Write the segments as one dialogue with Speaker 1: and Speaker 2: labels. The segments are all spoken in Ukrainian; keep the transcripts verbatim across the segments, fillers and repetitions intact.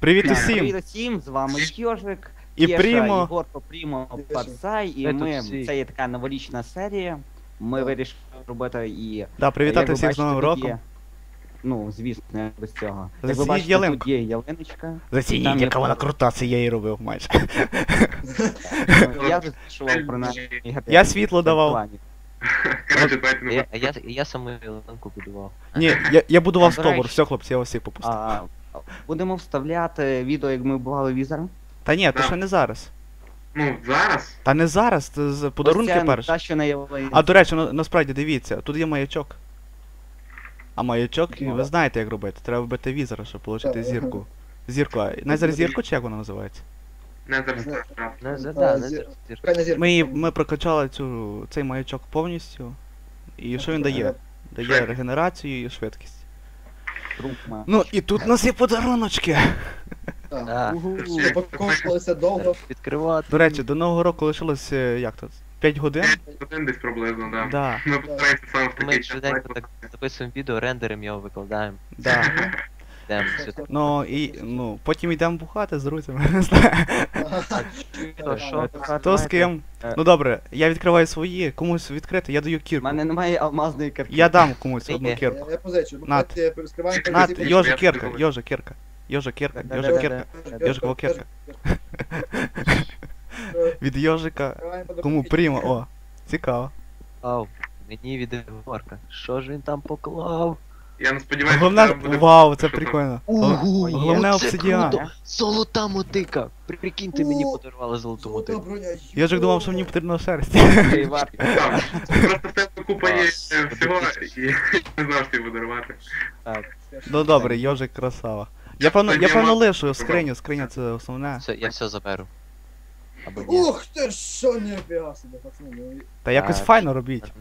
Speaker 1: Привіт
Speaker 2: Так,
Speaker 1: усім!
Speaker 2: Привіт усім, з вами Йожик,
Speaker 1: І
Speaker 2: Кеша,
Speaker 1: Прімо.
Speaker 2: Ігорко, Прімо, Пацай, і
Speaker 3: Ми тут
Speaker 2: ми,
Speaker 3: всі.
Speaker 2: це є така новорічна серія, ми
Speaker 3: Так.
Speaker 2: вирішили робити і...
Speaker 1: Да, привітати
Speaker 2: як ви
Speaker 1: всіх з
Speaker 2: бачите,
Speaker 1: Новим
Speaker 2: тут
Speaker 1: роком.
Speaker 2: є- Ну, звісно, не без цього. Як ви
Speaker 1: Зацініть
Speaker 2: бачите,
Speaker 1: ялинку.
Speaker 2: тут є ялиночка.
Speaker 1: Зацініть,
Speaker 2: Там є
Speaker 1: яка вона
Speaker 2: фото.
Speaker 1: крута, це я її робив майже.
Speaker 2: Ну, Я розпішував про наші...
Speaker 1: Я світло давав.
Speaker 4: Короче, давайте не
Speaker 3: Я, я, я саму ялинку будував.
Speaker 1: Ні, я, я будував
Speaker 2: А, до
Speaker 1: стовбур,
Speaker 2: речі-
Speaker 1: все, хлопці, я вас всіх попустив.
Speaker 2: А, Будемо вставляти відео, як ми бували візером.
Speaker 1: Та ні, то
Speaker 4: Да.
Speaker 1: ще не зараз.
Speaker 4: Ну, зараз.
Speaker 1: Та не зараз, це з подарунки
Speaker 2: Ось ця
Speaker 1: перші.
Speaker 2: та, що на ялинці.
Speaker 1: А до речі, ну, насправді дивіться, тут є маячок. А маячок,
Speaker 3: Ну,
Speaker 1: ви
Speaker 3: да.
Speaker 1: знаєте як робити, треба вбити візера, щоб отримати
Speaker 3: Так.
Speaker 1: зірку. Зірку, а Незер зірку чи як вона називається?
Speaker 4: Не зараз.
Speaker 3: Не-
Speaker 4: так.
Speaker 3: Не за,
Speaker 5: А,
Speaker 3: да, не
Speaker 5: зір-
Speaker 3: за-
Speaker 5: Правильно, зірка.
Speaker 1: Ми, її- ми прокачали цю, цей маячок повністю. І що він дає? Дає регенерацію і швидкість.
Speaker 2: Друг має.
Speaker 1: Ну і тут у нас є подаруночки.
Speaker 5: Так.
Speaker 3: Да.
Speaker 2: Угу.
Speaker 5: Упаковувалися довго.
Speaker 3: Відкривати.
Speaker 1: До речі, до Нового року лишилось е, як тут? п'ять годин?
Speaker 4: Один десь приблизно, да.
Speaker 1: Да,
Speaker 4: Ми постараємося саме в
Speaker 3: Ми
Speaker 4: такий час.
Speaker 3: швиденько так записуємо відео, рендеримо його, викладаємо.
Speaker 1: да.
Speaker 3: Йдемо сюди.
Speaker 1: Ну і ну, потім йдемо бухати з друзями, не знаю.
Speaker 3: То що?
Speaker 1: Хто з ким? Ну добре, я відкриваю свої, комусь відкрити, я даю
Speaker 2: У
Speaker 1: кірку.
Speaker 2: мене немає алмазної картки.
Speaker 1: Я дам комусь одну
Speaker 3: Ні.
Speaker 1: кірку.
Speaker 5: Я, я позичу. Бо
Speaker 1: Над.
Speaker 5: давайте розкриваємо
Speaker 1: Над,
Speaker 5: позиції.
Speaker 1: Йожа кірка, Йожа кірка. Йожа кірка,
Speaker 2: Да-да-да.
Speaker 1: Йожа кірка.
Speaker 5: Йожа,
Speaker 1: Йожикова
Speaker 5: Йожа,
Speaker 1: кірка.
Speaker 5: Йожа.
Speaker 1: Від Йожика.
Speaker 5: Відкриваємо
Speaker 1: Кому
Speaker 5: подарунки.
Speaker 1: прямо, о, цікаво.
Speaker 3: Ау, мені від Ігорка. Що ж він там поклав?
Speaker 4: Я не сподіваюся,
Speaker 1: Головне,
Speaker 4: що там буде...
Speaker 1: вау, це
Speaker 4: що там.
Speaker 1: прикольно.
Speaker 3: Ого,
Speaker 1: Головне
Speaker 3: оце
Speaker 1: обсидіан.
Speaker 3: круто! Золота мотика! Прикиньте, мені
Speaker 5: О,
Speaker 3: подарували золоту
Speaker 5: Золота
Speaker 3: мотику.
Speaker 5: броня.
Speaker 1: Йожик думав, що мені потрібно шерсть.
Speaker 2: Ей, Вар.
Speaker 4: Так, Просто в тебе купа є
Speaker 3: Клас.
Speaker 4: е, всього, і не знав, що тобі подарувати.
Speaker 2: Так.
Speaker 1: Ну добре, Йожик красава. Я певно, я певно лишу скриню, скриня це основне.
Speaker 3: Все, я все заберу. Або ні.
Speaker 5: Ух ти, що не фіга себе, пацани. ну,
Speaker 1: Та якось
Speaker 3: Так.
Speaker 1: файно робіть.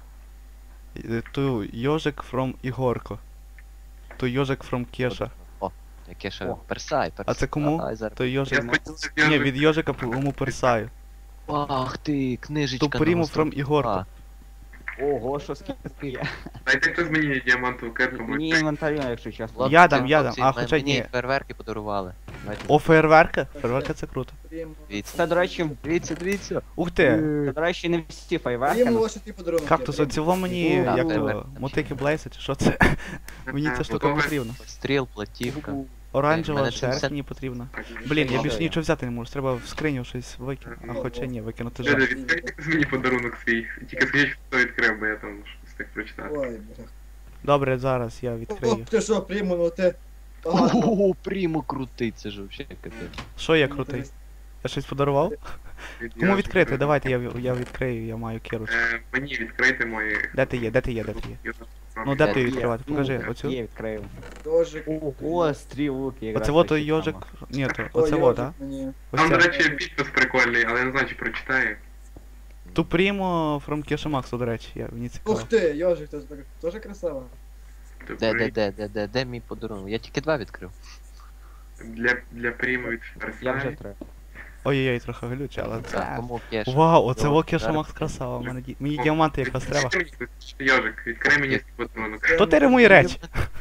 Speaker 1: Е, Ту Йожик from Ігорко. Ту Йожик from Кеша.
Speaker 3: О, яке ще
Speaker 2: О.
Speaker 3: персай, персай.
Speaker 1: А це кому?
Speaker 3: Ай, зараз.
Speaker 1: То
Speaker 4: Я
Speaker 1: Йожик.
Speaker 4: сподіваюся,
Speaker 1: Ні,
Speaker 4: я
Speaker 1: від Йожика кому персаю.
Speaker 3: Ах ти, книжечка.
Speaker 1: Ту пріму
Speaker 3: на
Speaker 1: from Ігорко.
Speaker 2: Ого, що скільки є.
Speaker 4: Дайте хтось мені діамантову кирку,
Speaker 2: Мені
Speaker 4: будь
Speaker 2: інвентарю, якщо чесно.
Speaker 3: Хлопці,
Speaker 1: Я дам, я дам.
Speaker 3: хлопці,
Speaker 1: А,
Speaker 3: м-
Speaker 1: хоча
Speaker 3: мені
Speaker 1: ні.
Speaker 3: фейерверки подарували. Давайте.
Speaker 1: О, фейерверка? Фейерверка це круто.
Speaker 5: Прямо.
Speaker 3: Дивіться.
Speaker 2: Це, до речі,
Speaker 3: Дивіться, дивіться.
Speaker 1: Ух ти!
Speaker 2: це, до речі, не всі фейверки.
Speaker 5: Прямо
Speaker 2: ну,
Speaker 5: ваші ті подарунки.
Speaker 1: Кактус, оціло мені,
Speaker 2: Так,
Speaker 1: як
Speaker 3: фейерверк
Speaker 1: то,
Speaker 3: там
Speaker 1: мотики Блейса чи що це? Мені ця штука потрібна.
Speaker 3: Стріл, платівка.
Speaker 1: Оранжева
Speaker 3: Мене це
Speaker 1: шерсть
Speaker 3: все-
Speaker 1: мені потрібна.
Speaker 4: Так,
Speaker 1: Блін, я
Speaker 2: Що
Speaker 1: більше
Speaker 2: я?
Speaker 1: нічого взяти не можу, треба в скриню щось викинути. А хоча ні, викинути
Speaker 4: Дядя,
Speaker 1: жаль.
Speaker 4: відкрийте хтось мені подарунок свій. Тільки скажіть, хто відкрив, бо я там встиг прочитати.
Speaker 5: Ой, бля.
Speaker 1: Добре, зараз я
Speaker 5: Ох
Speaker 1: відкрию.
Speaker 5: ти що, прямо, ну ти. Ага.
Speaker 3: Ого, прямо крутий, це ж вообще капець.
Speaker 1: Що я крутий? Я щось подарував?
Speaker 4: Від
Speaker 1: Кому
Speaker 4: Йожика.
Speaker 1: відкрити? Давайте я, я відкрию, я маю кірочку.
Speaker 4: Е, Мені відкрити мої...
Speaker 1: Де ти є, де ти є, де ти є?
Speaker 4: Йожик.
Speaker 1: Ну де ти
Speaker 3: Є.
Speaker 1: її відкривати?
Speaker 2: Ну,
Speaker 1: Покажи,
Speaker 2: так,
Speaker 1: оцю.
Speaker 2: Є, відкрив.
Speaker 5: Дожик.
Speaker 2: Ого, стрілки. якраз
Speaker 1: Оце вот
Speaker 2: такі
Speaker 1: Йожик.
Speaker 2: саме.
Speaker 1: Ні, то
Speaker 5: Ой,
Speaker 1: оце вот, а?
Speaker 5: Йожик мені.
Speaker 1: Ось
Speaker 4: Там, до
Speaker 1: це.
Speaker 4: речі, підпис прикольний, але я не знаю, чи прочитаю.
Speaker 1: Ту прімо from Kesha Max, до речі, я, мені цікаво.
Speaker 5: Ух ти, Йожик, це так- теж красиво.
Speaker 3: Де, де, де, де, де, де мій подарунок? Я тільки два відкрив.
Speaker 4: Для, для прийму від
Speaker 2: Я вже
Speaker 4: Ферсай.
Speaker 2: три.
Speaker 1: Ой-ой-ой, трохи глюче, але
Speaker 3: Так,
Speaker 1: це...
Speaker 3: кому кеш?
Speaker 1: Вау, оце во Kesha
Speaker 3: Зараз.
Speaker 1: Max красава, мене ді- мені діаманти якраз треба.
Speaker 4: Йожик, відкрий мені свій подарунок.
Speaker 1: Хто ти ремує речі?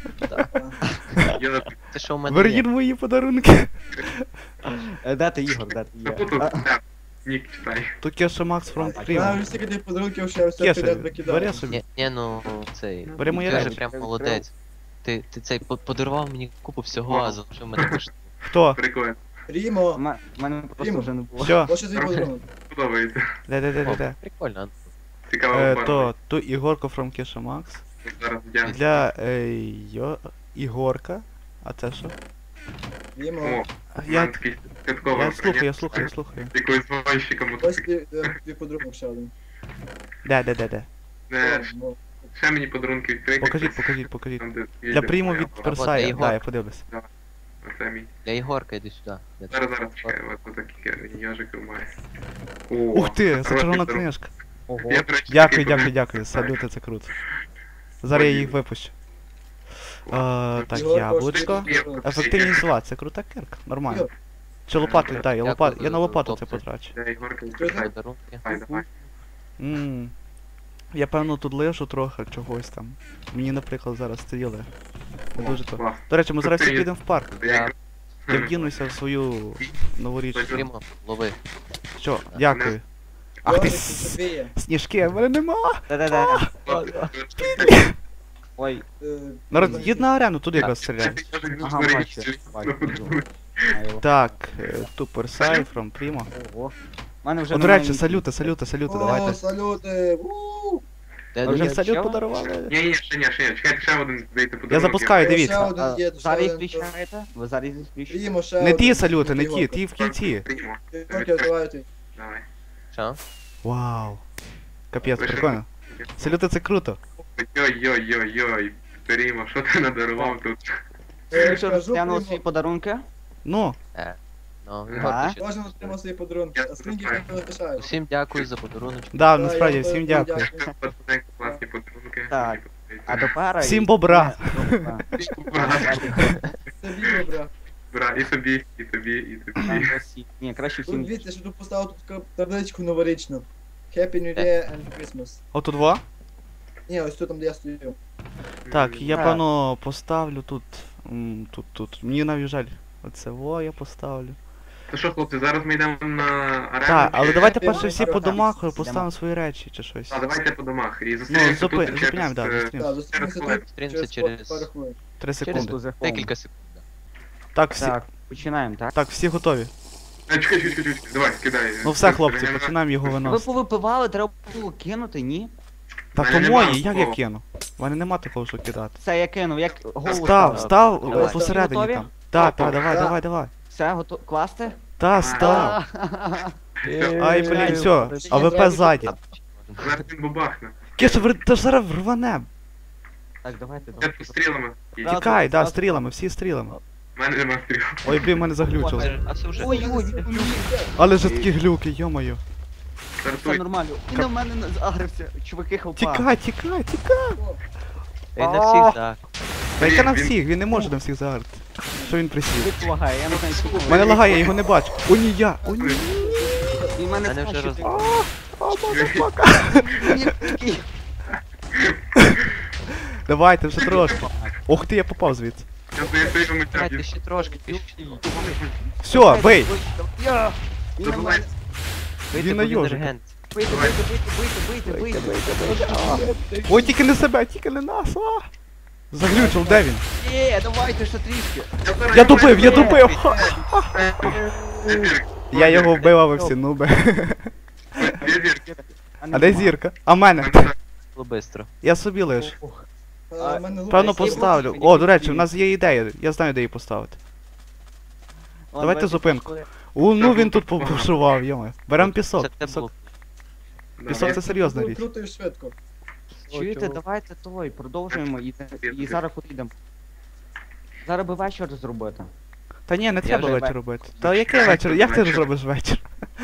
Speaker 4: Йожик,
Speaker 3: Це що у мене
Speaker 1: Верніть
Speaker 3: є?
Speaker 1: мої подарунки.
Speaker 2: Е, Де ти, Ігор, де ти є?
Speaker 4: запутав,
Speaker 2: А,
Speaker 4: так, нік читай.
Speaker 1: Ту Kesha Max from
Speaker 2: Так,
Speaker 5: Я
Speaker 1: Primo.
Speaker 5: вже стільки тих подарунків, що я все
Speaker 1: Кеша,
Speaker 5: підряд викидав.
Speaker 1: бери собі.
Speaker 3: Ні, ні, ну цей.
Speaker 1: Бери мої
Speaker 3: Ти вже
Speaker 1: речі.
Speaker 3: прям молодець. Ти, ти цей по- подарував мені купу всього, а залишив мене коштів.
Speaker 1: Хто?
Speaker 4: Прикольно,
Speaker 5: Прімо.
Speaker 2: У мене у мене просто
Speaker 5: Діма.
Speaker 2: вже не було.
Speaker 1: Що?
Speaker 5: Ось твій подарунок.
Speaker 4: подобається.
Speaker 1: Де, де, де, де,
Speaker 3: О,
Speaker 1: де?
Speaker 3: прикольно.
Speaker 4: Цікаво,
Speaker 1: Е,
Speaker 4: оформлено.
Speaker 1: то, ту Ігорко from Kesha Max.
Speaker 4: Зараз вдягну.
Speaker 1: Для е, йо... Ігорка. А це що?
Speaker 5: Прімо.
Speaker 4: О,
Speaker 1: Я,
Speaker 4: я такий святковий
Speaker 1: я слухаю, я
Speaker 4: конець.
Speaker 1: слухаю, я слухаю.
Speaker 4: Якоюсь гонщиком
Speaker 5: Ось
Speaker 4: мотоцикл.
Speaker 5: твій е, твій подарунок ще один.
Speaker 1: Де, де, де, де?
Speaker 4: Е,
Speaker 5: Ну,
Speaker 4: Ще мені подарунки відкрити.
Speaker 1: Покажіть, покажіть, покажіть.
Speaker 4: Там, де
Speaker 1: Для
Speaker 4: їздив
Speaker 1: прийму
Speaker 4: моя
Speaker 1: від
Speaker 4: баба.
Speaker 1: Персая,
Speaker 3: Ігор.
Speaker 1: да, я подивлюсь.
Speaker 4: Оце мій.
Speaker 3: Для Ігорка йди сюди. Де ти?
Speaker 4: Зараз, зараз чекаю, от такі йожики має. О,
Speaker 1: Ух ти, це
Speaker 4: хороший
Speaker 1: червона
Speaker 4: подарунок.
Speaker 1: книжка.
Speaker 2: Ого.
Speaker 4: Я, до речі,
Speaker 1: Дякую,
Speaker 4: такий
Speaker 1: дякую,
Speaker 4: подарунок
Speaker 1: дякую. Салюти, це круто. Зараз я їх випущу. Е, так,
Speaker 5: Ігор,
Speaker 1: яблучко.
Speaker 5: коштує подарунок.
Speaker 1: Ефективність зла, це крута кирка, нормально.
Speaker 5: Ігор,
Speaker 1: Чи лопату, так, я
Speaker 3: Дякую
Speaker 1: лопат, я
Speaker 3: за
Speaker 1: на лопату це
Speaker 3: хлопці.
Speaker 1: потрачу.
Speaker 4: Для Ігорки
Speaker 5: Що це?
Speaker 3: Подарунки.
Speaker 4: Давай, давай.
Speaker 1: Ммм. Я певно тут лишу трохи чогось там. Мені, наприклад, зараз стріли. Не дуже то.
Speaker 4: Клас.
Speaker 1: До речі, ми зараз всі
Speaker 4: Крутий.
Speaker 1: підемо в парк.
Speaker 4: Я якраз
Speaker 1: Я вдінуся в свою новорічну.
Speaker 3: Прямо, лови.
Speaker 1: Що, дякую. Ах ти
Speaker 5: Йожик,
Speaker 1: с-
Speaker 5: тобі є.
Speaker 1: сніжки, в мене нема.
Speaker 2: Да-да-да. Ой,
Speaker 5: Е,
Speaker 1: Народ,
Speaker 5: ну,
Speaker 1: їдь на арену, туди якраз стріляй.
Speaker 2: ага, бачу, бачу. знаю.
Speaker 1: Так, е, Тупер Сай, From Primo.
Speaker 2: Ого. У мене вже
Speaker 1: О, до
Speaker 2: немає
Speaker 1: речі,
Speaker 2: ні-
Speaker 1: салюти, салюти, салюти,
Speaker 5: О,
Speaker 1: давайте.
Speaker 5: салюти! У!
Speaker 3: Де
Speaker 2: А
Speaker 1: Мені
Speaker 2: вже
Speaker 3: дуже
Speaker 1: салют
Speaker 2: почали?
Speaker 1: подарували.
Speaker 4: Ні, ні, ще ні, ще ні. Чекайте, ще один здається подарунок.
Speaker 1: Я запускаю,
Speaker 5: Ще
Speaker 1: дивіться.
Speaker 5: один
Speaker 2: А,
Speaker 5: є, ще
Speaker 2: Зараз їх
Speaker 5: один.
Speaker 2: включаєте? Ви зараз їх включаєте?
Speaker 5: Прімо, ще
Speaker 1: Не ті
Speaker 5: один.
Speaker 1: салюти, не ті,
Speaker 5: Прімо.
Speaker 1: ті в кінці.
Speaker 4: Приймо.
Speaker 5: Тільки давайте.
Speaker 4: Давай.
Speaker 3: Що?
Speaker 1: Вау. Капець, прикольно. Салюти це круто.
Speaker 4: Йой-йой-йой-йой. Приймо, що ти надарував тут?
Speaker 5: Е,
Speaker 2: Ви що,
Speaker 5: кажу,
Speaker 2: розглянули
Speaker 5: Прімо,
Speaker 2: свої подарунки?
Speaker 1: Ну,
Speaker 3: Ну,
Speaker 2: А?
Speaker 3: Ігор, ти що?
Speaker 5: Кожен отримав свої подарунки, а скриньки
Speaker 4: Я
Speaker 5: не лишаю.
Speaker 3: Усім дякую за подарунок.
Speaker 1: да,
Speaker 5: Да,
Speaker 1: насправді,
Speaker 5: я
Speaker 1: всім
Speaker 5: теж
Speaker 1: дякую.
Speaker 5: дякую.
Speaker 4: Класні подарунки.
Speaker 2: Так. А тепер...
Speaker 1: Всім бобра.
Speaker 4: Бра,
Speaker 5: Це відео, бра.
Speaker 4: бра, і собі, і тобі, і тобі.
Speaker 2: Ні, краще
Speaker 5: Тут
Speaker 2: всім.
Speaker 5: дивіться, що тут поставив тут таку табличку новорічну. Happy New Year and Christmas.
Speaker 1: Ото два?
Speaker 5: Ні, ось тут там, де я стою.
Speaker 1: Так, я
Speaker 2: Так.
Speaker 1: певно поставлю тут. м, Тут, тут. Мені навіть жаль. Оце во я поставлю.
Speaker 4: То що, хлопці, зараз ми йдемо на арену?
Speaker 1: Так, але
Speaker 4: чи-
Speaker 1: давайте
Speaker 5: Ти
Speaker 1: перше всі по
Speaker 5: можеш
Speaker 1: домах
Speaker 2: йдемо.
Speaker 1: поставимо свої речі чи щось.
Speaker 4: А, давайте по домах. І
Speaker 1: Ну,
Speaker 4: зустрінемося
Speaker 1: зупи...
Speaker 4: тут через...
Speaker 1: зупиняємо, да,
Speaker 4: е,
Speaker 5: Так,
Speaker 1: зустрінемося.
Speaker 5: зустрінемося
Speaker 4: хвилин.
Speaker 5: тут
Speaker 3: Зустрінемося
Speaker 5: через
Speaker 3: через-
Speaker 5: пару хвилин.
Speaker 1: Три
Speaker 2: Через
Speaker 1: секунди.
Speaker 2: дуже
Speaker 3: Декілька секунд. да.
Speaker 1: Так, всі.
Speaker 2: Так, починаємо, так?
Speaker 1: Так, всі готові.
Speaker 4: А, чекай, чекай, чекай, чекай, давай, кидай.
Speaker 1: Ну все, хлопці,
Speaker 4: Регенера-
Speaker 1: починаємо його
Speaker 2: Ви
Speaker 1: виносити.
Speaker 2: повипивали, треба було кинути, ні?
Speaker 1: Та
Speaker 4: мене
Speaker 1: то
Speaker 4: нема
Speaker 1: мої, як я
Speaker 4: такого.
Speaker 1: кину? У мене нема такого, що кидати.
Speaker 2: Все, я кинув, як голову
Speaker 1: Став,
Speaker 2: ставив.
Speaker 1: став
Speaker 2: Давай.
Speaker 1: е, посередині
Speaker 2: Готові?
Speaker 1: там. Так,
Speaker 4: Опа.
Speaker 1: так, давай,
Speaker 5: Так.
Speaker 1: давай, давай.
Speaker 2: Все, готово. Класти?
Speaker 1: Та, став. Ай, блін,
Speaker 2: Ай,
Speaker 1: все,
Speaker 2: ай,
Speaker 1: АВП
Speaker 5: ай,
Speaker 1: ззаді.
Speaker 4: Зараз він бабахне.
Speaker 1: Кеша, та ж зараз рване.
Speaker 2: Так, давайте,
Speaker 4: Я
Speaker 2: давайте.
Speaker 4: тут стрілами. І-
Speaker 2: Раз.
Speaker 1: Тікай, да,
Speaker 2: зразу.
Speaker 1: стрілами, всі стрілами.
Speaker 4: В мене нема стріл.
Speaker 1: Ой, блін, мене заглючило.
Speaker 3: А це вже.
Speaker 2: Ой, ой, ой,
Speaker 1: Але ж такі глюки, йо-моє.
Speaker 2: все
Speaker 4: Стартуй.
Speaker 2: нормально. Він на мене на- загрився. Чуваки хелпа.
Speaker 1: Тікай, тікай, тікай.
Speaker 3: Ей, на всіх, так.
Speaker 1: Та яка на
Speaker 4: Він-
Speaker 1: всіх, він не може на всіх заграти. Що він присів?
Speaker 2: Він лагає, я не знаю, що
Speaker 1: У мене лагає, я його не бачу. О, ні, я, о, ні.
Speaker 2: Він мене
Speaker 3: Мене вже
Speaker 2: скаче.
Speaker 3: роз-
Speaker 1: О, мазафака.
Speaker 2: Він такий.
Speaker 1: Давайте, вже трошки. Ох ти, я попав звідси.
Speaker 4: Я стою, стою, тому
Speaker 3: Давайте
Speaker 4: тяпі.
Speaker 3: ще трошки, пішли.
Speaker 1: Все, бей.
Speaker 2: Я. Він на
Speaker 4: Забувай.
Speaker 2: мене.
Speaker 3: Вийти,
Speaker 1: Він на
Speaker 3: бо він
Speaker 1: йожика.
Speaker 3: регент.
Speaker 2: Бийте, бийте, бийте, бийте, бийте, бийте.
Speaker 1: Ой, тільки не себе, тільки не нас, а. Заглючив, де він?
Speaker 2: Є, давайте ще трішки.
Speaker 1: Я добив, я добив! Ха. Я його вбив, а ви всі нуби. А де зірка? А мене?
Speaker 3: Було бистро.
Speaker 1: Я собі лиш.
Speaker 5: А, в мене лук
Speaker 1: Певно
Speaker 5: є.
Speaker 1: поставлю. О, до речі, у нас є ідея. Я знаю, де її поставити. Давайте зупинку. У, ну він тут побушував, йома. Берем
Speaker 3: Це
Speaker 1: пісок.
Speaker 3: те
Speaker 1: Пісок,
Speaker 3: було.
Speaker 1: пісок це серйозна
Speaker 5: Дуже
Speaker 1: річ.
Speaker 5: Круто і швидко.
Speaker 2: Чуєте, давайте той, продовжуємо і, і зараз куди йдемо. Зараз би вечір зробити.
Speaker 1: Та ні, не
Speaker 3: Я
Speaker 1: треба
Speaker 2: вже
Speaker 1: вечір
Speaker 2: ве-
Speaker 1: робити. Та який вечір? Як ти зробиш вечір?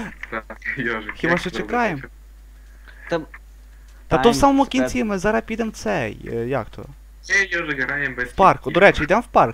Speaker 1: Хіба що чекаємо?
Speaker 2: Та,
Speaker 1: Та то в
Speaker 2: Time
Speaker 1: самому
Speaker 2: spent.
Speaker 1: кінці ми зараз підемо в цей. е, Як то?
Speaker 4: Ей, Йожик, граємо без
Speaker 1: В парк. До речі, йдемо в парк.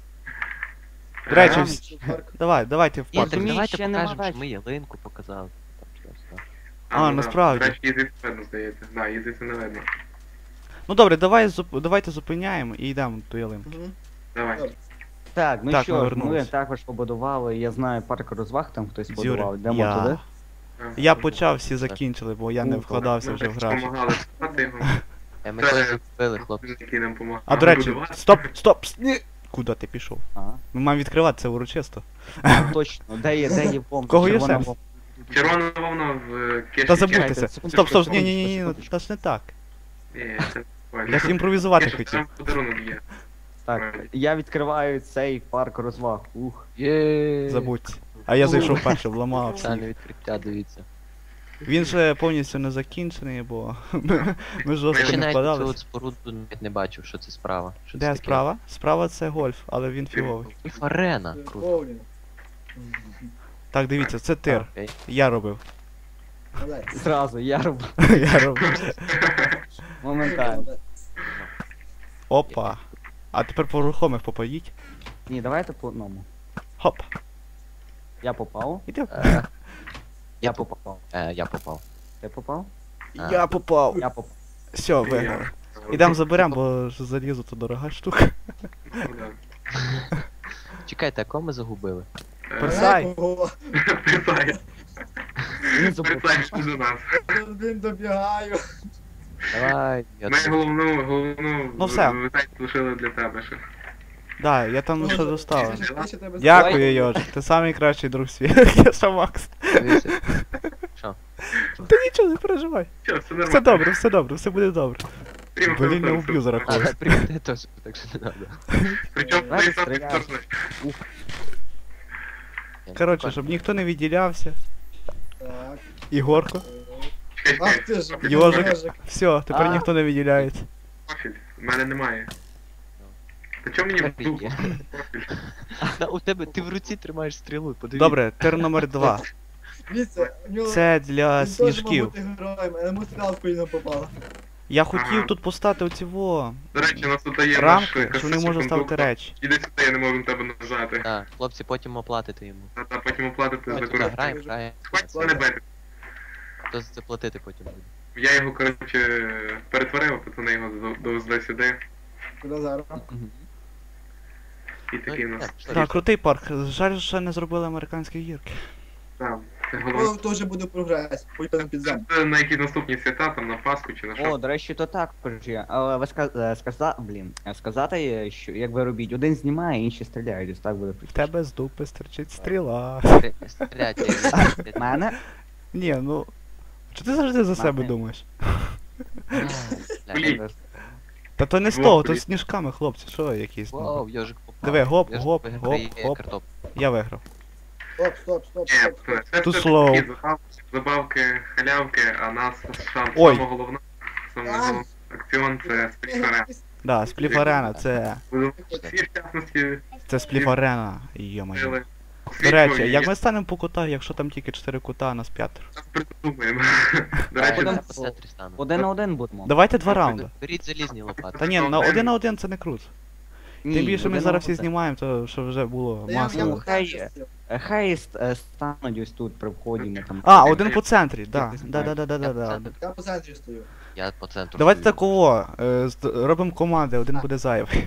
Speaker 1: До речі,
Speaker 2: Ага.
Speaker 1: вс- давай, давайте в
Speaker 3: Ні,
Speaker 1: парк.
Speaker 3: так
Speaker 2: Розумієш,
Speaker 3: давайте
Speaker 2: ще нема
Speaker 3: покажемо, що
Speaker 2: вечора.
Speaker 3: ми ялинку показали. Там щось, так.
Speaker 1: А, насправді.
Speaker 4: До речі, їздити не видно, здається. Да, їздити не видно.
Speaker 1: Ну добре, давай зуп- давайте зупиняємо і йдемо до ялинки.
Speaker 5: Мгм.
Speaker 4: Давай.
Speaker 2: Так, ну
Speaker 1: Так, ми
Speaker 2: що, ж, ми
Speaker 1: вернулись.
Speaker 2: також побудували, я знаю, парк розваг там хтось
Speaker 1: Зюри,
Speaker 2: будував. Йдемо
Speaker 1: я...
Speaker 2: туди.
Speaker 1: Я почав, всі закінчили, бо я не
Speaker 2: Ну,
Speaker 1: вкладався
Speaker 4: Ми
Speaker 1: вже в
Speaker 4: так
Speaker 1: графік.
Speaker 4: допомагали спати його.
Speaker 3: Е, Ми когось закупили, хлопці.
Speaker 4: Який нам помагав.
Speaker 1: А до речі, стоп, стоп, с- ні. Куди ти пішов?
Speaker 2: Ага.
Speaker 1: Ми маємо відкривати це урочисто.
Speaker 2: А, точно, де є, де є бомба?
Speaker 1: Кого є
Speaker 2: червона
Speaker 1: сенс?
Speaker 2: бомба?
Speaker 4: Червона вовна в е, кеші.
Speaker 1: Та
Speaker 2: забудьте.
Speaker 1: забудьтеся.
Speaker 2: секундочку,
Speaker 1: Стоп, стоп, ні,
Speaker 2: секундочку,
Speaker 1: ні, ні, ні,
Speaker 2: секундочку.
Speaker 1: та ж не так.
Speaker 4: Ні, це нормально.
Speaker 1: Я ж імпровізувати
Speaker 4: Кеша,
Speaker 1: хотів.
Speaker 4: там подарунок є.
Speaker 2: Так, я відкриваю цей парк розваг. Ух.
Speaker 3: Є.
Speaker 1: Забудь. А я зайшов першим, вламав.
Speaker 3: Спеціальне відкриття, дивіться.
Speaker 1: Він же повністю не закінчений, бо ми, ми жорстко
Speaker 3: Я ще
Speaker 1: не
Speaker 3: навіть цю от
Speaker 1: вкладалися.
Speaker 3: споруду навіть не бачив, що це справа. Що це
Speaker 1: Де
Speaker 3: таке.
Speaker 1: справа? Справа це гольф, але він фіговий.
Speaker 3: І арена,
Speaker 5: Е,
Speaker 3: круто.
Speaker 5: Боулінг.
Speaker 1: Так, дивіться, це тир.
Speaker 3: Окей.
Speaker 1: Я робив.
Speaker 5: Молодець.
Speaker 2: Зразу, я роблю
Speaker 1: Я робив.
Speaker 2: моментально.
Speaker 5: Молодець.
Speaker 1: Опа. А тепер по рухомих попоїть.
Speaker 2: Ні, давайте по одному.
Speaker 1: Хоп.
Speaker 2: Я попав.
Speaker 1: Іди.
Speaker 3: Е,
Speaker 2: Я попав.
Speaker 3: е, Я попав.
Speaker 2: Ти попав?
Speaker 1: Я попав.
Speaker 2: Я попав.
Speaker 1: Все, виграли. Ідемо заберемо, бо ж залізо то дорога штука.
Speaker 4: Ну, да.
Speaker 3: Чекайте, а кого ми загубили?
Speaker 1: Персай.
Speaker 5: Ого,
Speaker 4: Присай.
Speaker 2: Він забув.
Speaker 4: Присай, що до нас.
Speaker 5: Він добігаю.
Speaker 3: Давай, я
Speaker 4: Ми
Speaker 3: тут.
Speaker 4: головну, головну
Speaker 1: Ну все.
Speaker 4: витать лишили для тебе ще.
Speaker 1: Да, я там ще доставив.
Speaker 5: Ще- ще тебе
Speaker 1: Дякую, Йожик, ти самий кращий друг світу. Я сам Макс.
Speaker 3: Дивися. Що?
Speaker 1: Та нічого, не переживай.
Speaker 4: Що, все нормально.
Speaker 1: Все добре, все добре, все буде добре.
Speaker 4: Прямо
Speaker 1: Блін,
Speaker 4: хорошо,
Speaker 1: не уб'ю
Speaker 4: все.
Speaker 1: зараз
Speaker 3: А,
Speaker 1: когось.
Speaker 3: прийти теж, так що не треба.
Speaker 4: Причому
Speaker 2: Давайте
Speaker 4: ти сам
Speaker 2: стріляти.
Speaker 4: підторкнеш.
Speaker 1: Коротше, щоб ніхто не відділявся.
Speaker 5: Так.
Speaker 1: Ігорко.
Speaker 4: Чекай,
Speaker 5: Ах
Speaker 4: чекай.
Speaker 5: ти ж.
Speaker 1: Йожик.
Speaker 5: Йожик.
Speaker 1: Все, тепер
Speaker 2: А.
Speaker 1: ніхто не відділяється.
Speaker 4: Профіль. В мене немає. Та чому мені в
Speaker 3: Тепер
Speaker 4: дупу?
Speaker 3: є.
Speaker 4: Профіль.
Speaker 3: А у тебе, ти в руці тримаєш стрілу, подивись.
Speaker 1: Добре, тир номер два.
Speaker 5: Дивіться, у нього...
Speaker 1: Це для
Speaker 5: Він теж мав
Speaker 1: сніжків.
Speaker 5: бути героєм, але йому стріла в коліно попала.
Speaker 1: Я хотів
Speaker 4: Ага.
Speaker 1: тут поставити оці во
Speaker 4: До речі, у нас тут є наш
Speaker 1: рамки, що вони можуть
Speaker 4: касетний
Speaker 1: ставити
Speaker 4: кондуктор.
Speaker 1: речі.
Speaker 4: Іди сюди, я не можу на тебе нажати.
Speaker 3: Так, хлопці, потім оплатите йому.
Speaker 4: А та потім оплатити за
Speaker 3: Так,
Speaker 4: користь.
Speaker 3: граємо, граємо.
Speaker 4: Хватить мене бити.
Speaker 3: Хто за це платити потім буде?
Speaker 4: Я його, коротше, перетворив, пацани його до- довезли сюди.
Speaker 5: Куди зараз?
Speaker 4: І такий у
Speaker 3: Ну,
Speaker 4: нас.
Speaker 3: так, що
Speaker 1: Так, крутий парк. Жаль, що не зробили американські гірки.
Speaker 4: Там. Це
Speaker 5: О,
Speaker 4: головне.
Speaker 5: то вже буде прогрес. Поїдемо під землю.
Speaker 4: Це на які наступні свята, там на Пасху чи на
Speaker 2: О,
Speaker 4: що.
Speaker 2: до речі, то також є. Але ви ска- сказали, блін, е, сказати, е, що як ви робіть, один знімає, інші стріляють, ось так буде
Speaker 1: В
Speaker 2: простіше.
Speaker 1: тебе з дупи стерчить стріла.
Speaker 3: Стрі- Стріляти.
Speaker 2: В мене?
Speaker 1: Ні, ну. Чи ти завжди за себе
Speaker 2: Мати.
Speaker 1: думаєш?
Speaker 4: Блін.
Speaker 1: Та то не з
Speaker 4: Во,
Speaker 1: того, то
Speaker 4: блін.
Speaker 1: сніжками, хлопці, що якісь.
Speaker 3: Вау,
Speaker 1: Ну.
Speaker 3: йожик попав.
Speaker 1: Диви, гоп,
Speaker 3: Йожик
Speaker 1: гоп,
Speaker 3: виграє
Speaker 1: гоп, гоп.
Speaker 3: картоп.
Speaker 1: Я виграв.
Speaker 5: Стоп, стоп, стоп,
Speaker 4: Ні,
Speaker 5: стоп, стоп.
Speaker 4: це
Speaker 1: Too
Speaker 4: все
Speaker 1: slow.
Speaker 4: такі забавки, забавки, халявки, а нас шанс
Speaker 1: Ой.
Speaker 4: саме головне, саме головне акціон це спільфарена.
Speaker 1: Да, спліфарена, це.
Speaker 4: Всі в частності
Speaker 1: Це спліфарена. Йо-моє.
Speaker 4: сили.
Speaker 1: До речі, як ми станемо по кутах, якщо там тільки чотири кута, а нас п'ятеро?
Speaker 4: придумаємо. До
Speaker 3: А,
Speaker 4: речі,
Speaker 2: Один-
Speaker 3: я по центрі стану.
Speaker 2: Один на один будемо.
Speaker 1: Давайте два раунди.
Speaker 3: Беріть залізні лопати.
Speaker 1: Та ні, на один на один це не круто.
Speaker 2: Ні,
Speaker 1: Тим більше ми
Speaker 2: один
Speaker 1: зараз
Speaker 2: на
Speaker 1: всі
Speaker 2: один.
Speaker 1: знімаємо, то що вже було
Speaker 5: Та я-
Speaker 1: масло.
Speaker 5: я
Speaker 2: Ну, хай
Speaker 5: вгадаю,
Speaker 2: є.
Speaker 5: що
Speaker 2: Е, Хай ст- стануть ось тут при вході ми там.
Speaker 1: А, один по центрі, да. Да, да, да, да, да, да.
Speaker 5: Я по центрі стою.
Speaker 3: Я по центру.
Speaker 1: Давайте
Speaker 3: стою.
Speaker 1: такого, е, з- робимо команди, один буде зайвий.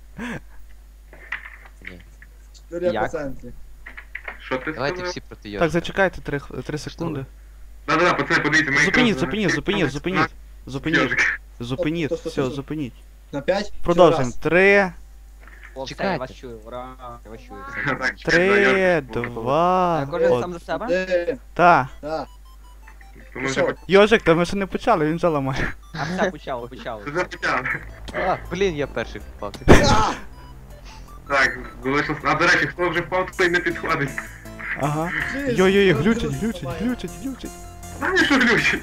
Speaker 3: Ні.
Speaker 5: Стою я по
Speaker 2: Як?
Speaker 5: центрі.
Speaker 4: що ти
Speaker 3: Давайте
Speaker 4: сказав?
Speaker 3: всі проти
Speaker 1: Так,
Speaker 3: йожика.
Speaker 1: зачекайте три, х- три секунди.
Speaker 4: Да-да-да, пацани, подивіться, ми
Speaker 1: Зупиніть,
Speaker 4: якраз-
Speaker 1: зупиніть, зупиніть, зупиніть. Зупиніть,
Speaker 4: Йожик.
Speaker 1: зупиніть,
Speaker 5: Стоп, стоп,
Speaker 1: все,
Speaker 5: стоп.
Speaker 1: зупиніть.
Speaker 5: На п'ять?
Speaker 1: Продовжуємо. Три,
Speaker 2: О, все,
Speaker 3: Чекайте.
Speaker 2: я вас чую, ура, я вас чую. все.
Speaker 4: Так,
Speaker 1: три,
Speaker 4: Йожик.
Speaker 1: два,
Speaker 2: Е, Кожен
Speaker 1: од...
Speaker 2: сам за себе?
Speaker 5: Один.
Speaker 1: Та.
Speaker 5: Так.
Speaker 4: То ми вже
Speaker 5: Що?
Speaker 4: поч-
Speaker 1: Йожик, та ми ще не почали, він вже ламає.
Speaker 2: А все, почало, почало.
Speaker 4: Це вже почали.
Speaker 3: А, блін, я перший впав.
Speaker 5: А!
Speaker 4: Так, залишилось. А до речі, хто вже впав, той не підходить.
Speaker 1: Ага.
Speaker 5: Жесть,
Speaker 1: Йой-йой,
Speaker 5: я
Speaker 1: глючить,
Speaker 5: зараз
Speaker 1: глючить,
Speaker 5: зламаю.
Speaker 1: глючить, глючить.
Speaker 4: Знаєш, що глючить?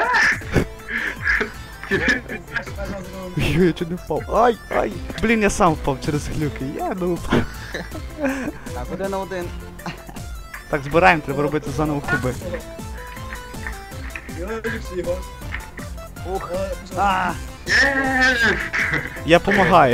Speaker 5: Чекай, зараз зробимо.
Speaker 1: Йой, я чуть не впав. Ай, ай. Блін, я сам впав через глюки. Я ну.
Speaker 2: Так, один на один.
Speaker 1: Так, збираємо, треба робити заново куби.
Speaker 5: Йожик, Ігор.
Speaker 2: Ух.
Speaker 5: Е,
Speaker 2: А,
Speaker 4: Єс!
Speaker 1: Я помагаю.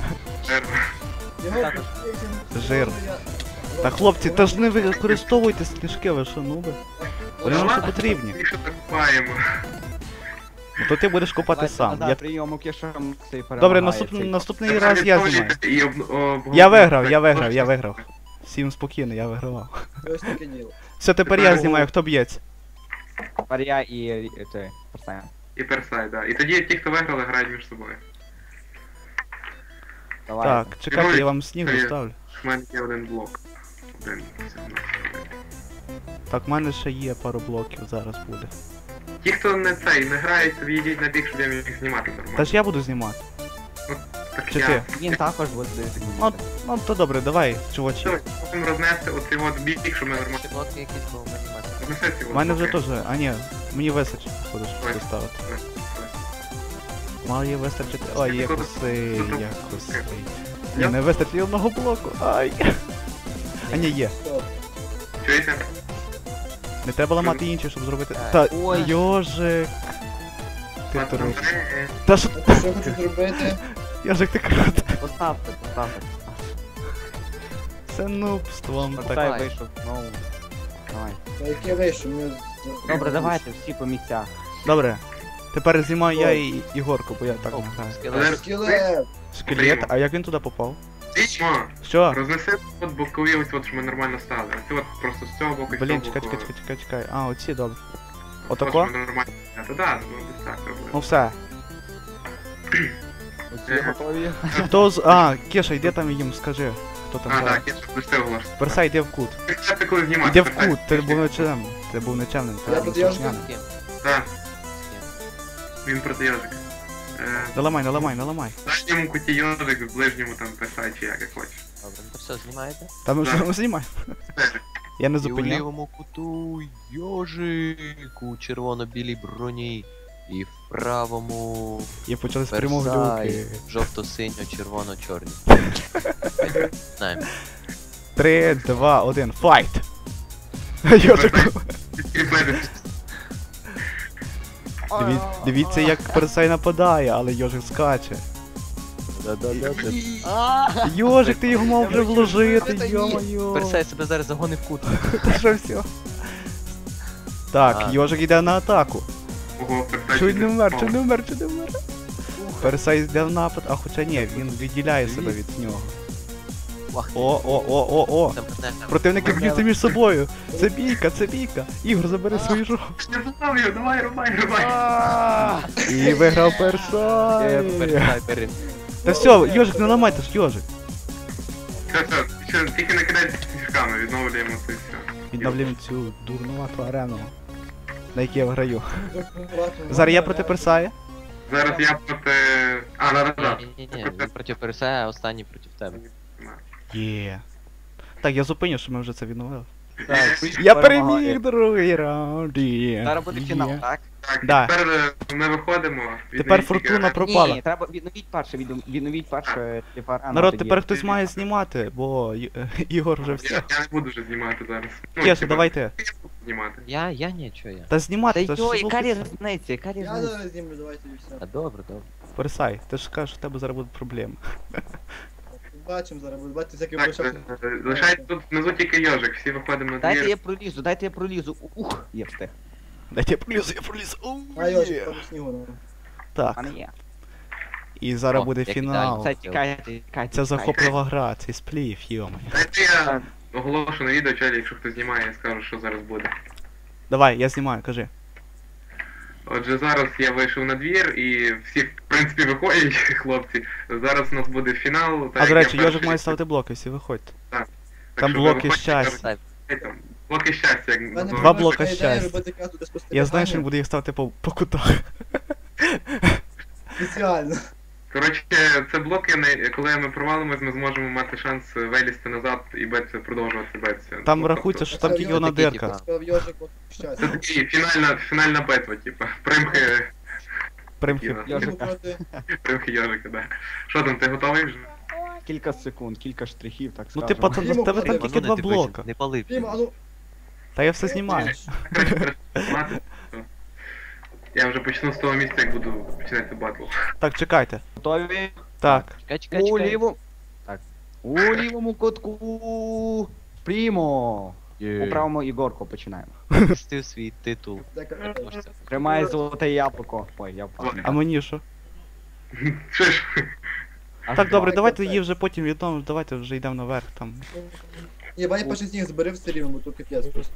Speaker 5: Ігор,
Speaker 2: Так.
Speaker 1: Жир. Та хлопці, та ж не використовуйте сніжки, ви що, нуби? Вони нам ще потрібні.
Speaker 4: Якщо так купаємо.
Speaker 1: Ну, то ти будеш копати
Speaker 2: давайте
Speaker 1: сам.
Speaker 2: назад
Speaker 1: Я...
Speaker 2: прийомок, я що цей
Speaker 1: Добре,
Speaker 2: перемагає,
Speaker 1: наступний,
Speaker 2: цей.
Speaker 1: наступний раз я знімаю.
Speaker 4: І об- об-
Speaker 1: Я виграв, я виграв, я виграв. Всім спокійно, я вигравав.
Speaker 5: Ось таке діло.
Speaker 1: Все, тепер я знімаю, хто б'ється.
Speaker 2: Тепер я і і той, Персай.
Speaker 4: І персай, да. І тоді ті, хто виграли, грають між собою.
Speaker 2: Давай.
Speaker 1: Так, чекайте, я вам сніг
Speaker 4: Привіт.
Speaker 1: доставлю.
Speaker 4: У мене є один блок. Один. все, ну, один.
Speaker 1: Так, в мене ще є пару блоків, зараз буде.
Speaker 4: Ті, хто не цей, не грають, то відійдіть на бік, щоб я міг знімати
Speaker 1: Та
Speaker 4: нормально.
Speaker 1: ж я буду знімати.
Speaker 4: Так
Speaker 1: чи
Speaker 4: я...
Speaker 1: ти?
Speaker 2: Він також буде дивитися.
Speaker 1: Ну, ну то добре, давай, чувачі.
Speaker 4: Давай, потім рознести оцей от бік, щоб ми нормально...
Speaker 3: Ще блоки якісь був анімати.
Speaker 4: Рознеси ці
Speaker 1: У
Speaker 4: от
Speaker 1: мене вже
Speaker 4: блоки.
Speaker 1: теж, а ні, мені вистачить, буду
Speaker 4: Давай,
Speaker 1: доставити.
Speaker 4: давай, давай.
Speaker 1: Має вистачити. Ой, я косий, я косий. Ні,
Speaker 4: Я-
Speaker 1: не вистачить одного блоку. Ай. А ні, є.
Speaker 5: Стоп.
Speaker 4: Чуєте?
Speaker 1: Не треба ламати інші, щоб зробити.
Speaker 3: Так.
Speaker 1: Та
Speaker 2: Ой.
Speaker 1: йожик. Ти
Speaker 4: Ладно,
Speaker 1: трус.
Speaker 4: е,
Speaker 1: Та що?
Speaker 5: А що я хочу зробити?
Speaker 1: Йожик, ти крут.
Speaker 2: Поставте, поставте.
Speaker 1: Це нубством так.
Speaker 2: Персай вийшов знову. Давай.
Speaker 5: Та яке вийшов? Ми...
Speaker 2: Добре, давайте, всі по місцях.
Speaker 1: Добре. Тепер знімаю я і Ігорку, бо я так не граю.
Speaker 3: Скелет.
Speaker 5: Скелет!
Speaker 1: Скелет, а як він туди попав?
Speaker 4: Вічмо,
Speaker 1: Що?
Speaker 4: рознеси от бокові ось от, що ми нормально стали. Ось от просто з цього боку і з
Speaker 1: Блін,
Speaker 4: цього
Speaker 1: чекай,
Speaker 4: боку.
Speaker 1: чекай, чекай, чекай. А, оці, добре.
Speaker 4: Просто,
Speaker 1: Отако?
Speaker 4: щоб ми нормально. Та да, ну десь так робили.
Speaker 1: Ну все.
Speaker 2: Оці готові.
Speaker 1: Хто з. А, Кеша, йди там їм, скажи. Хто там
Speaker 4: А,
Speaker 1: грає.
Speaker 4: так, я ж пустив голос.
Speaker 1: Персай, йди в кут.
Speaker 4: Ти коли знімаєш?
Speaker 1: Іди в кут, ти був нечемним. Ти був нечемним. ти
Speaker 5: Я
Speaker 1: був
Speaker 5: тут я ж-
Speaker 1: слухняним.
Speaker 4: Так, він проти йожика. Е,
Speaker 1: Не ламай, не ламай, не ламай.
Speaker 4: В дальньому куті йожик, в ближньому там писай чи як, як хочеш.
Speaker 3: Добре, ну то все, знімаєте?
Speaker 1: Та ми
Speaker 4: Да.
Speaker 1: вже знімаємо.
Speaker 4: Все.
Speaker 1: Я не
Speaker 3: І у
Speaker 1: зупиняв.
Speaker 3: лівому куту йожик у червоно-білій броні. І в правому
Speaker 1: І почали з прямого
Speaker 3: Версай,
Speaker 1: люки.
Speaker 3: жовто-синьо-червоно-чорні. Знаємо.
Speaker 1: Три, два, один, файт! Йожику.
Speaker 4: Підкріпити.
Speaker 1: Диві- Дивіться, як Персай нападає, але Йожик скаче. Йожик, ти його мав вже вложити, йо-моє.
Speaker 3: Персей себе зараз загонив в кут.
Speaker 1: Та що все? Так,
Speaker 3: А.
Speaker 1: Йожик йде на атаку.
Speaker 4: Ого, персай.
Speaker 1: Чуть не вмер, чуть не вмер, чуть не вмер. Персай йде в напад, а хоча ні, він відділяє себе від нього.
Speaker 3: Ах,
Speaker 1: О, о, о, о, о.
Speaker 3: там партнер.
Speaker 1: Противники б'ються між собою. Це бійка, це бійка. Ігор, забери свою жопу.
Speaker 4: Я заставлю, давай, рубай, рубай.
Speaker 1: І виграв
Speaker 3: Е,
Speaker 1: Персай.
Speaker 3: Персей перем-
Speaker 1: Та все, Йожик, не ламайте ж, Йожик.
Speaker 4: Все, все, ще тільки не кидайте фішками, відновлюємо це все.
Speaker 1: Відновлюємо цю дурнувату арену, на якій я граю. Зараз я проти Персая.
Speaker 4: Зараз я проти... А, да, да, да.
Speaker 3: Ні-ні-ні, він проти Персея, а останній проти тебе.
Speaker 1: Є. Так, я зупиню, що ми вже це відновили.
Speaker 2: Так,
Speaker 1: Я
Speaker 2: перемагає.
Speaker 1: переміг другий раунд. є.
Speaker 2: Зараз буде фінал,
Speaker 1: Є.
Speaker 2: так?
Speaker 4: Так,
Speaker 1: Да.
Speaker 4: тепер е, ми виходимо.
Speaker 1: Тепер
Speaker 4: відновіть
Speaker 1: фортуна
Speaker 4: тільки-
Speaker 1: пропала.
Speaker 2: Ні, треба відновіть перше, відно- відновіть перше, типа, рано
Speaker 1: Народ,
Speaker 2: тоді.
Speaker 1: тепер хтось має знімати, бо Й- Ігор вже все.
Speaker 4: Я, я не буду вже знімати зараз. Ну,
Speaker 1: Кеша,
Speaker 4: типа,
Speaker 1: давайте.
Speaker 4: я буду знімати.
Speaker 3: Я, я ні, чого я.
Speaker 1: Та
Speaker 2: Та
Speaker 1: знімати, та
Speaker 2: йо,
Speaker 1: ж
Speaker 2: яка
Speaker 1: звук-
Speaker 2: різниця, яка
Speaker 5: Я
Speaker 2: різниця?
Speaker 5: зараз знімлю, давайте і все.
Speaker 3: А добре, добре.
Speaker 1: Персай, ти ж кажеш, у тебе зараз будуть проблеми.
Speaker 5: Бачимо зараз, будете бачити всякі
Speaker 4: Так,
Speaker 5: початки.
Speaker 4: е, е, лишається тут внизу тільки йожик, всі виходимо на
Speaker 2: Дайте
Speaker 4: двір.
Speaker 2: я пролізу, дайте я пролізу. Ух, є встиг.
Speaker 1: Дайте я пролізу, я пролізу. Оу,
Speaker 5: А Йожик,
Speaker 1: є.
Speaker 5: по снігу. ну.
Speaker 1: Так,
Speaker 2: А не є.
Speaker 1: і зараз
Speaker 3: О,
Speaker 1: буде
Speaker 3: як
Speaker 1: фінал.
Speaker 3: ідеально.
Speaker 2: Це тікайте, тікайте.
Speaker 1: Це
Speaker 2: тікайте.
Speaker 1: захоплива гра, цей сплів, йома.
Speaker 4: Дайте я оголошу на відео, чолі, якщо хтось знімає, я скажу, що зараз буде.
Speaker 1: Давай, я знімаю, кажи.
Speaker 4: Отже, зараз я вийшов на двір і всі, в принципі, виходять, хлопці. Зараз у нас буде фінал. так
Speaker 1: А
Speaker 4: як
Speaker 1: до
Speaker 4: я
Speaker 1: речі, Йожик
Speaker 4: перший.
Speaker 1: має ставити блоки, всі виходьте.
Speaker 4: Так
Speaker 1: там
Speaker 4: що ви
Speaker 1: блоки
Speaker 4: виходьте,
Speaker 1: щастя.
Speaker 4: кажуть, там, Блоки щастя, як
Speaker 5: У мене
Speaker 4: називають.
Speaker 1: Два
Speaker 5: була
Speaker 1: блока
Speaker 5: така ідея
Speaker 1: щастя.
Speaker 5: робити карту для
Speaker 1: Я знаю, що він
Speaker 5: спостерігання.
Speaker 1: буде їх ставити по, по кутах.
Speaker 5: Спеціально.
Speaker 4: Коротше, це блоки, на- коли ми провалимось, ми зможемо мати шанс вилізти назад і битися, продовжувати битися.
Speaker 1: Там
Speaker 4: Ну,
Speaker 1: рахується, що
Speaker 4: тобто,
Speaker 1: там тільки одна
Speaker 3: Такі,
Speaker 1: дирка.
Speaker 3: типа.
Speaker 5: Сказав Йожик, от
Speaker 4: Це
Speaker 5: щастя.
Speaker 4: такий фінальна, фінальна битва, типа. Примхи,
Speaker 1: Примхи.
Speaker 2: Йожик.
Speaker 5: Проти-
Speaker 4: примхи Йожика, да. Що там, ти готовий вже?
Speaker 2: Кілька секунд, кілька штрихів, так
Speaker 1: Ну
Speaker 2: скажемо.
Speaker 1: ти пацан,
Speaker 5: Діму,
Speaker 1: в тебе там
Speaker 5: подивись,
Speaker 1: тільки два блока.
Speaker 3: Не пали.
Speaker 5: Діма, а ну,
Speaker 1: Та я все знімаю.
Speaker 4: Коротше, мати. Я вже почну з того місця, як буду починати батл.
Speaker 1: Так, чекайте.
Speaker 2: Готові?
Speaker 1: Так.
Speaker 3: Чекай, чекай,
Speaker 2: У
Speaker 3: чекай.
Speaker 2: лівому... Так. У лівому кутку... Прімо. У правому Ігорко починаємо.
Speaker 3: Захистив свій титул.
Speaker 5: дека-
Speaker 3: переможця.
Speaker 2: Тримає золоте яблуко. Ой, я впав.
Speaker 1: А мені що?
Speaker 4: Що ж?
Speaker 2: Аж
Speaker 1: Так,
Speaker 2: два.
Speaker 1: добре, давайте її вже потім відомо, давайте вже йдемо наверх там.
Speaker 5: Ні, бай перший сніг збери все рівно, бо тут капець просто.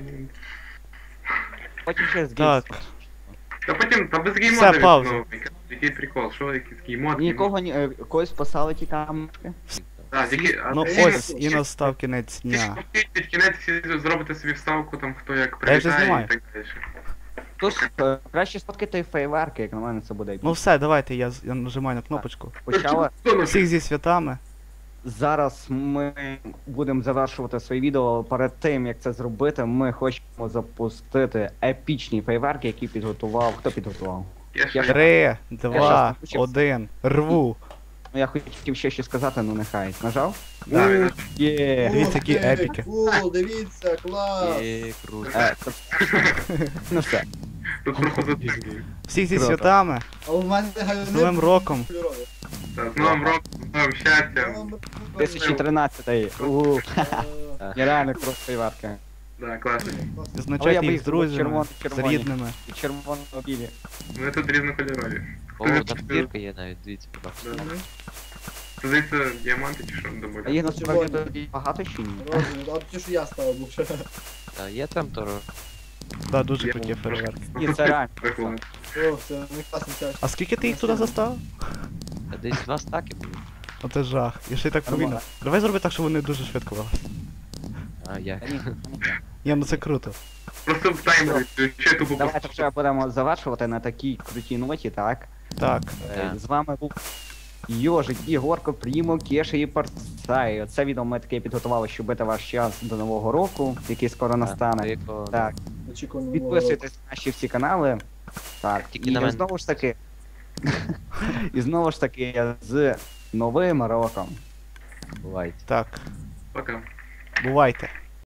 Speaker 2: Потім ще з
Speaker 1: Так.
Speaker 4: Та потім, та без
Speaker 1: Все,
Speaker 4: геймода
Speaker 1: пауза.
Speaker 4: відновлюй. Який прикол, що якийсь геймод?
Speaker 2: Нікого ні... е, когось спасали ті камушки.
Speaker 4: Так, які... а
Speaker 1: Ну
Speaker 4: всі-
Speaker 1: ось і настав кінець
Speaker 4: всі
Speaker 1: дня.
Speaker 4: ж під кінець всі зробите собі вставку, там хто як
Speaker 1: Та я вже
Speaker 4: прилітає
Speaker 1: знімаю.
Speaker 4: і так далі.
Speaker 2: Тож, е, краще сфоткати фейверки, як на мене це буде.
Speaker 1: Ну все, давайте, я, з- я нажимаю на кнопочку.
Speaker 2: Почали.
Speaker 4: Хто нас-
Speaker 1: Всіх зі святами.
Speaker 2: Зараз ми будемо завершувати своє відео, але перед тим як це зробити, ми хочемо запустити епічні фейверки, які підготував. Хто підготував?
Speaker 4: Я ще-
Speaker 2: Я-
Speaker 1: Три, два,
Speaker 2: не включив.
Speaker 1: один. Рву.
Speaker 2: Ну я хотів ще щось сказати, ну нехай. Нажав?
Speaker 4: Да,
Speaker 2: У, Є.
Speaker 1: Дивіться, які
Speaker 5: Ух ти,
Speaker 1: епіки.
Speaker 5: Кул, дивіться, клас.
Speaker 3: Є, круто.
Speaker 2: Е, це- Ну все.
Speaker 4: Тут просто за
Speaker 1: Всіх зі
Speaker 2: Круто.
Speaker 1: святами.
Speaker 5: А у мене
Speaker 1: З Новим роком.
Speaker 5: кольорові.
Speaker 4: Так, з новим роком, з новим щастям.
Speaker 2: дві тисячі тринадцятий. У,
Speaker 5: Е,
Speaker 2: нереально круто фейверки.
Speaker 4: Да, класно.
Speaker 5: клас.
Speaker 1: Відзначайте
Speaker 2: би
Speaker 1: їх
Speaker 2: їх
Speaker 1: з
Speaker 2: зробив
Speaker 1: друзями, з
Speaker 2: червоно-червоні.
Speaker 1: рідними.
Speaker 2: І червоно-білі.
Speaker 4: Вони тут різнокольорові.
Speaker 3: О, там бірка є навіть, дивіться, будь ласка.
Speaker 4: Да. Це здається діаманти чи що
Speaker 2: А
Speaker 4: добавляють?
Speaker 2: їх насправді
Speaker 5: Червоні.
Speaker 2: тоді багато чи ні?
Speaker 5: Розові, а ті, що я ставив, був ще.
Speaker 3: Та є там то.
Speaker 1: Да, дуже
Speaker 4: Я
Speaker 1: круті
Speaker 4: вам
Speaker 1: фейерверки.
Speaker 2: Ні, це реально.
Speaker 4: Прикольно.
Speaker 5: О, це не класний час.
Speaker 1: А скільки ти їх туди заставив?
Speaker 3: Та десь два стаки були.
Speaker 1: Оце жах. Я ще й так повільно.
Speaker 2: Нормально.
Speaker 1: Давай зроби так, щоб вони дуже швидко вели.
Speaker 3: А як?
Speaker 2: Та ні, ні, ні.
Speaker 1: Ні, ну це круто.
Speaker 4: Просто в таймері ще тупо
Speaker 2: Давайте
Speaker 4: просто.
Speaker 2: вже будемо завершувати на такій крутій ноті, так?
Speaker 1: Так.
Speaker 2: Е,
Speaker 3: Так.
Speaker 2: З вами був Йожик, Ігорко, Прімо, Кеша і Парцай. Це відео ми таке підготували, щоб бити ваш час до Нового року, який скоро настане.
Speaker 3: Тихо.
Speaker 2: Так,
Speaker 5: Очікування.
Speaker 2: підписуйтесь на наші всі канали. Так,
Speaker 3: Тільки
Speaker 2: і
Speaker 3: на мене.
Speaker 2: знову ж таки. І знову ж таки з Новим роком.
Speaker 3: Бувайте.
Speaker 1: Так.
Speaker 4: Пока.
Speaker 1: Бувайте.